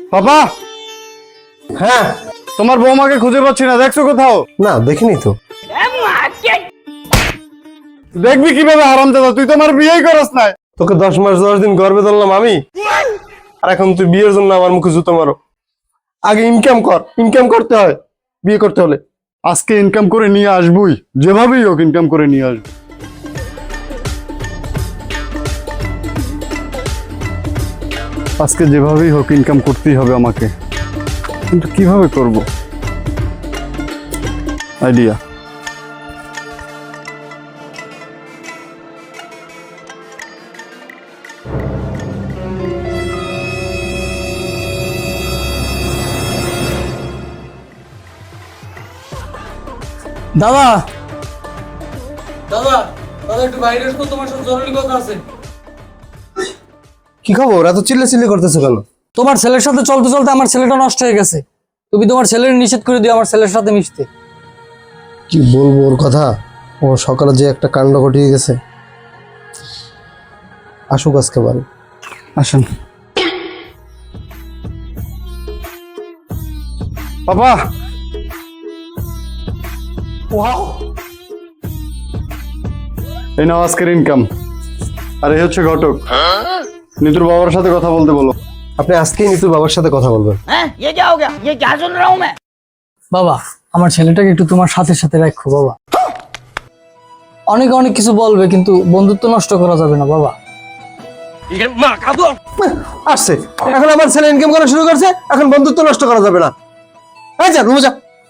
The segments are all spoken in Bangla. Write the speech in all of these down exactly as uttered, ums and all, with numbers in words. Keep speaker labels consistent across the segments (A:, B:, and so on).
A: পাপা,
B: হ্যাঁ
A: তোমার বৌমাকে খুঁজে পাচ্ছি না, দেখছো কোথাও?
B: না দেখিনি তো।
A: দেখবি কিভাবে হারামজাদা, তুই তো আমার বিয়েই করস নাই।
B: তোকে দশ মাস দশ দিন গর্বে ধরলাম আমি, আর এখন তুই বিয়ের জন্য আমার মুখে জুতো মারো। আগে ইনকাম কর, ইনকাম করতে হয় বিয়ে করতে হলে।
A: আজকে ইনকাম করে নিয়ে আসবই, যেভাবেই হোক ইনকাম করে নিয়ে আসবো। আজকে যেভাবেই হোক ইনকাম করতেই হবে আমাকে, কিন্তু কিভাবে করব? আইডিয়া।
C: দাদা দাদা দাদা একটু বাইরে এসো, তোমার সাথে জরুরি কথা আছে।
B: কি খবর, এত চিল্লা চিল্লি করতেছো কেন?
C: তোমার ছেলের সাথে চলতে চলতে আমার ছেলেটা নষ্ট হয়ে গেছে। তুমি তোমার ছেলের নিষেধ করে দিও আমার ছেলের সাথে মিশতে।
B: কি বলবো ওর কথা, ও সকালে যে একটা কাণ্ড ঘটিয়ে গেছে। আসুক আজকে বাড়ি।
A: আসেন। পাপা, এই নাও আজকের ইনকাম। আর এই হচ্ছে ঘটক, নিতুর বাবার সাথে কথা বলতে বলো।
B: আপনি আজকেই নিতুর বাবার সাথে কথা বলবেন।
D: हैं? ये क्या हो गया? ये क्या सुन रहा हूँ मैं?
C: বাবা, আমার ছেলেটাকে একটু তোমার সাথে সাথে রাখো বাবা। অনেক অনেক কিছু বলবে, কিন্তু বন্ধুত্ব নষ্ট করা যাবে না বাবা।
B: আসছে এখন আমার ছেলে ইনকাম করা শুরু করছে, এখন বন্ধুত্ব নষ্ট করা যাবে না। এই যা রুমে যা।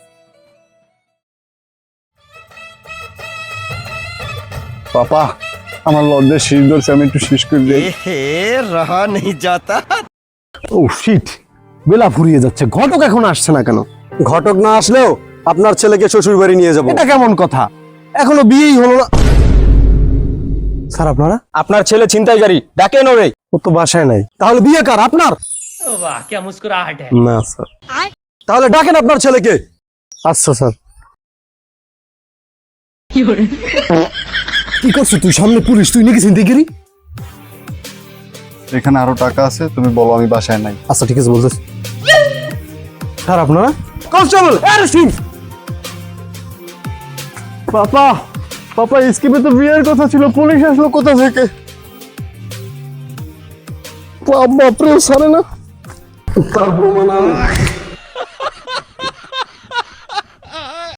A: পাপা, আমার লজ্জায় শীষ ধরছে, আমি একটু শীষ করে দিই।
E: रहा नहीं जाता।
B: ও শিট, বেলা ফুরিয়ে যাচ্ছে, ঘটক এখন আসছে না কেন? ঘটক না আসলেও আপনার ছেলেকে শ্বশুর বাড়ি নিয়ে যাবো। এটা কেমন কথা? এখনো বিয়েই হলো না। স্যার আপনারা?
E: আপনার ছেলে ছিনতাইকারী, ডাকেন ওরে।
B: ও তো বাসায় নাই, তাহলে বিয়ে কার? আপনার?
D: वाह क्या मुस्कुराहट है।
B: না স্যার। তাহলে ডাকেন আপনার ছেলেকে। আচ্ছা স্যার। কি করছিস তুই? সামনে পুলিশ, তুই নাকি ছিনতাইকারী?
A: এখানে আরো টাকা আছে, তুমি বলো আমি বাসায় নাই।
B: আচ্ছা ঠিক আছে বলতেছি। স্যার আপনারা? Constable arrest.
A: পাপা, পাপা স্কিপে তো বিয়ের কথা ছিল, পুলিশ আসলো কোথা থেকে?
B: বাপরে সারে না তার প্রমাণ